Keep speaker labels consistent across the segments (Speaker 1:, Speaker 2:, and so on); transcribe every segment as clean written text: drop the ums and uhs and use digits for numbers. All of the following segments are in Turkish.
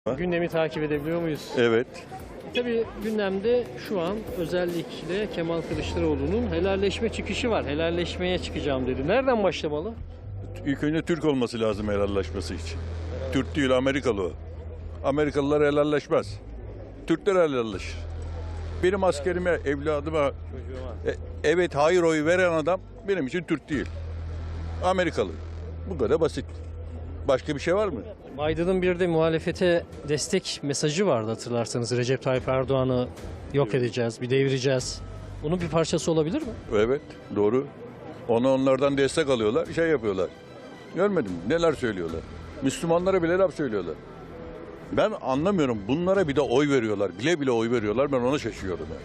Speaker 1: Gündemi takip edebiliyor muyuz?
Speaker 2: Evet.
Speaker 1: Tabii gündemde şu an özellikle Kemal Kılıçdaroğlu'nun helalleşme çıkışı var. Helalleşmeye çıkacağım dedi. Nereden başlamalı?
Speaker 2: İlk önce Türk olması lazım helalleşmesi için. Türk değil, Amerikalı o. Amerikalılar helalleşmez. Türkler helalleşir. Benim askerime, evladıma evet hayır oyu veren adam benim için Türk değil. Amerikalı. Bu kadar basit. Başka bir şey var mı?
Speaker 1: Biden'ın bir de muhalefete destek mesajı vardı hatırlarsanız. Recep Tayyip Erdoğan'ı yok edeceğiz, bir devireceğiz. Bunun bir parçası olabilir mi?
Speaker 2: Evet, doğru. Onlardan destek alıyorlar, şey yapıyorlar. Görmedim mi? Neler söylüyorlar. Müslümanlara bile laf söylüyorlar. Ben anlamıyorum. Bunlara bir de oy veriyorlar. Bile bile oy veriyorlar. Ben ona şaşıyorum. Yani.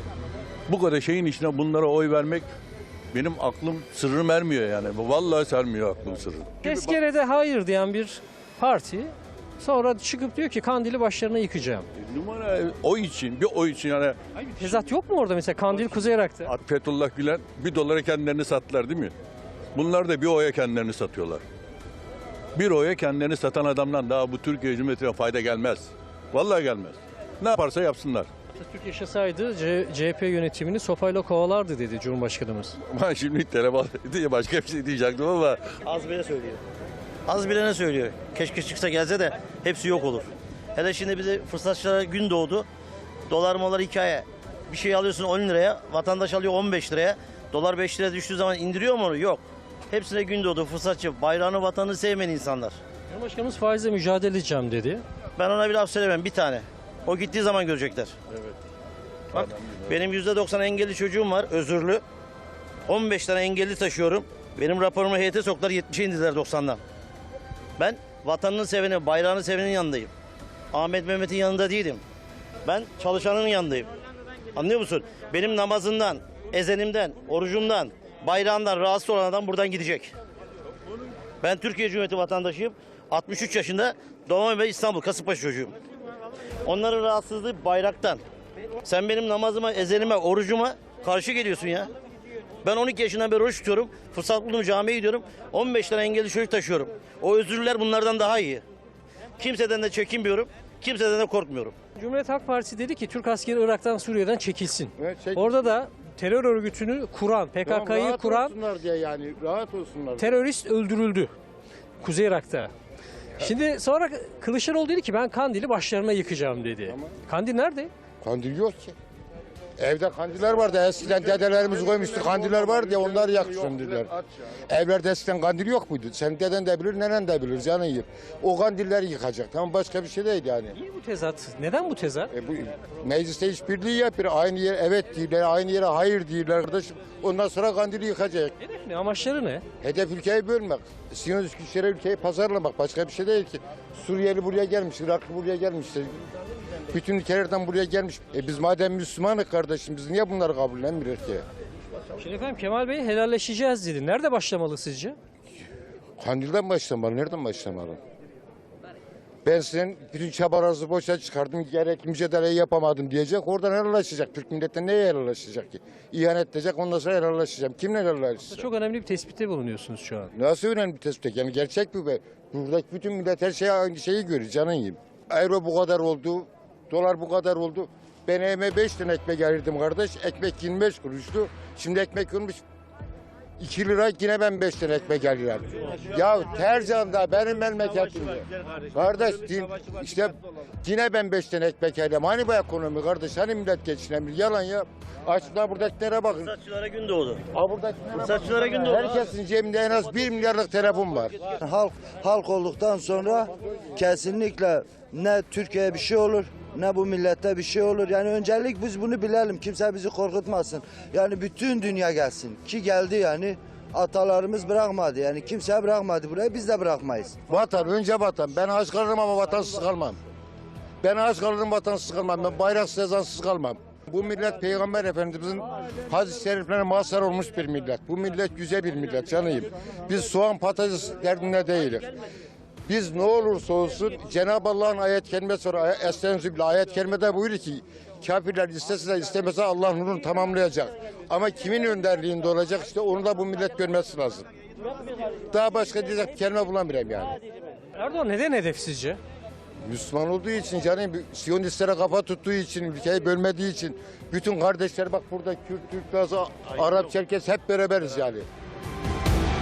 Speaker 2: Bu kadar şeyin içine bunlara oy vermek benim aklım sırrım ermiyor yani. Vallahi sermiyor aklım sırrım.
Speaker 1: Tezkerede hayır diyen bir parti sonra çıkıp diyor ki Kandil'i başlarına yıkacağım.
Speaker 2: Numara oy için, bir oy için yani.
Speaker 1: Hayır, bir tezat yok mu orada mesela Kandil Kuzey Irak'ta?
Speaker 2: Fethullah Gülen $1 kendilerini sattılar değil mi? Bunlar da bir oya kendilerini satıyorlar. Bir oya kendilerini satan adamdan daha bu Türkiye Cumhuriyeti'ne fayda gelmez. Vallahi gelmez. Ne yaparsa yapsınlar.
Speaker 1: Atatürk yaşasaydı CHP yönetimini sopayla kovalardı dedi Cumhurbaşkanımız.
Speaker 2: Ben şimdi telefon diye başka bir şey diyecektim ama
Speaker 3: Az bile söylüyor. Az bile ne söylüyor? Keşke çıksa gelse de hepsi yok olur. Hele şimdi bize fırsatçılara gün doğdu. Dolar molar hikaye. Bir şey alıyorsun 10 liraya, vatandaş alıyor 15 liraya. Dolar 5 liraya düştüğü zaman indiriyor mu onu? Yok. Hepsine gün doğdu fırsatçı. Bayrağını, vatanını sevmeyen insanlar.
Speaker 1: Cumhurbaşkanımız faizle mücadele edeceğim dedi.
Speaker 3: Ben ona bir laf söylemem, bir tane. O gittiği zaman görecekler.
Speaker 2: evet.
Speaker 3: Bak, benim %90 engelli çocuğum var, özürlü. 15 tane engelli taşıyorum. Benim raporumu heyete soktular, 70'e indiler 90'dan. Ben vatanını seveni, bayrağını sevenin yanındayım. Ahmet Mehmet'in yanında değilim. Ben çalışanın yanındayım. Anlıyor musun? Benim namazından, ezenimden, orucumdan, bayrağından rahatsız olan adam buradan gidecek. Ben Türkiye Cumhuriyeti vatandaşıyım. 63 yaşında doğma ve İstanbul, Kasımpaşa çocuğuyum. Onların rahatsızlığı bayraktan. Sen benim namazıma, ezenime, orucuma karşı geliyorsun ya. Ben 12 yaşından beri oruç tutuyorum. Fırsat buldum camiye gidiyorum. 15 tane engelli çocuk taşıyorum. O özürlüler bunlardan daha iyi. Kimseden de çekinmiyorum. Kimseden de korkmuyorum.
Speaker 1: Cumhuriyet Halk Partisi dedi ki Türk askeri Irak'tan Suriye'den çekilsin.
Speaker 4: Evet, çekilsin.
Speaker 1: Orada da terör örgütünü kuran, PKK'yı
Speaker 4: rahat
Speaker 1: kuran
Speaker 4: olsunlar diye yani rahat olsunlar.
Speaker 1: terörist öldürüldü Kuzey Irak'ta. Şimdi sonra Kılıçdaroğlu dedi ki ben Kandil'i başlarına yıkacağım dedi.
Speaker 4: Tamam.
Speaker 1: Kandil nerede?
Speaker 4: Kandil yok ki. Evde kandiller vardı. Eskiden dedelerimiz koymuştu. Kandiller vardı ya onları yaksın dediler. Evlerde eskiden kandil yok muydu? Senin deden de bilir, nenen de bilir. Canın yiyip. O kandilleri yıkacak. Tamam başka bir şey değil yani.
Speaker 1: Niye bu tezat? Neden bu tezat?
Speaker 4: Bu mecliste işbirliği yapıyor. Aynı yere evet diyorlar, aynı yere hayır diyorlar kardeşim. Ondan sonra kandili yıkacak.
Speaker 1: Hedef ne? Amaçları ne?
Speaker 4: Hedef ülkeyi bölmek. Siyonist güçlere ülkeyi pazarlamak. Başka bir şey değil ki. Suriyeli buraya gelmiş, Iraklı buraya gelmiş. Bütün ülkelerden buraya gelmiş. Biz madem Müslümanız kardeşim biz niye bunları kabullenmiyoruz ki?
Speaker 1: Şimdi efendim Kemal Bey helalleşeceğiz dedi. Nerede başlamalı sizce?
Speaker 4: Kandil'den başlamalı. Nereden başlamalı? Ben senin bütün çabalarınızı boşa çıkardım. Gerekli mücadeleyi yapamadım diyecek. Oradan helalleşecek. Türk milleti neye helalleşecek ki? İhanet edecek ondan sonra helalleşeceğim. Kimle helalleşeceğim?
Speaker 1: Çok önemli bir tespitte bulunuyorsunuz şu an.
Speaker 4: Nasıl önemli bir tespit? Yani gerçek bu be. Buradaki bütün millet her şeyi aynı şeyi görüyor. Canın yiyeyim. Euro bu kadar oldu. Dolar bu kadar oldu. Ben evime 5 tane ekmek alırdım kardeş. Ekmek 25 kuruştu. Şimdi ekmek olmuş 2 lira yine ben 5 tane ekmek alıyorum. Ya Tercan'da benim memleketimde. Kardeş işte yine ben 5 tane ekmek alıyorum. Hani bu ekonomi kardeş? Hani millet geçinemiyor? Yalan ya. Açlar buradakilere bakın.
Speaker 3: Fırsatçılara gün doğdu.
Speaker 4: Buradakilere
Speaker 3: Fırsatçılara
Speaker 4: bakın.
Speaker 3: gün doğdu.
Speaker 4: Herkesin cebinde en az 1 milyarlık telefon var.
Speaker 5: Halk olduktan sonra kesinlikle ne Türkiye'ye bir şey olur ne bu millete bir şey olur. Yani öncelik biz bunu bilelim. Kimse bizi korkutmasın. Yani bütün dünya gelsin. Ki geldi yani. Atalarımız bırakmadı. Yani kimse bırakmadı buraya. Biz de bırakmayız.
Speaker 4: Vatan önce vatan. Ben aç kalırım ama vatansız kalmam. Ben aç kalırım vatansız kalmam. Ben bayraksız ezansız kalmam. Bu millet Peygamber Efendimizin hadis-i şeriflerine mazhar olmuş bir millet. Bu millet güzel bir millet canıyım. Biz soğan patates derdinde değiliz. Biz ne olursa olsun Cenab-ı Allah'ın ayet kelimesi var. Estağfirullah ayet kelimede buyuruyor ki kafirler istese de istemese Allah nurunu tamamlayacak. Ama kimin önderliğinde olacak işte onu da bu millet görmesi lazım. Daha başka diyecek kelime bulamıyorum yani.
Speaker 1: Erdoğan neden hedef sizce?
Speaker 4: Müslüman olduğu için canım, Siyonistlere kafa tuttuğu için, ülkeyi bölmediği için bütün kardeşler bak burada Kürt, Türk, Laz, Arap, Çerkes hep beraberiz yani.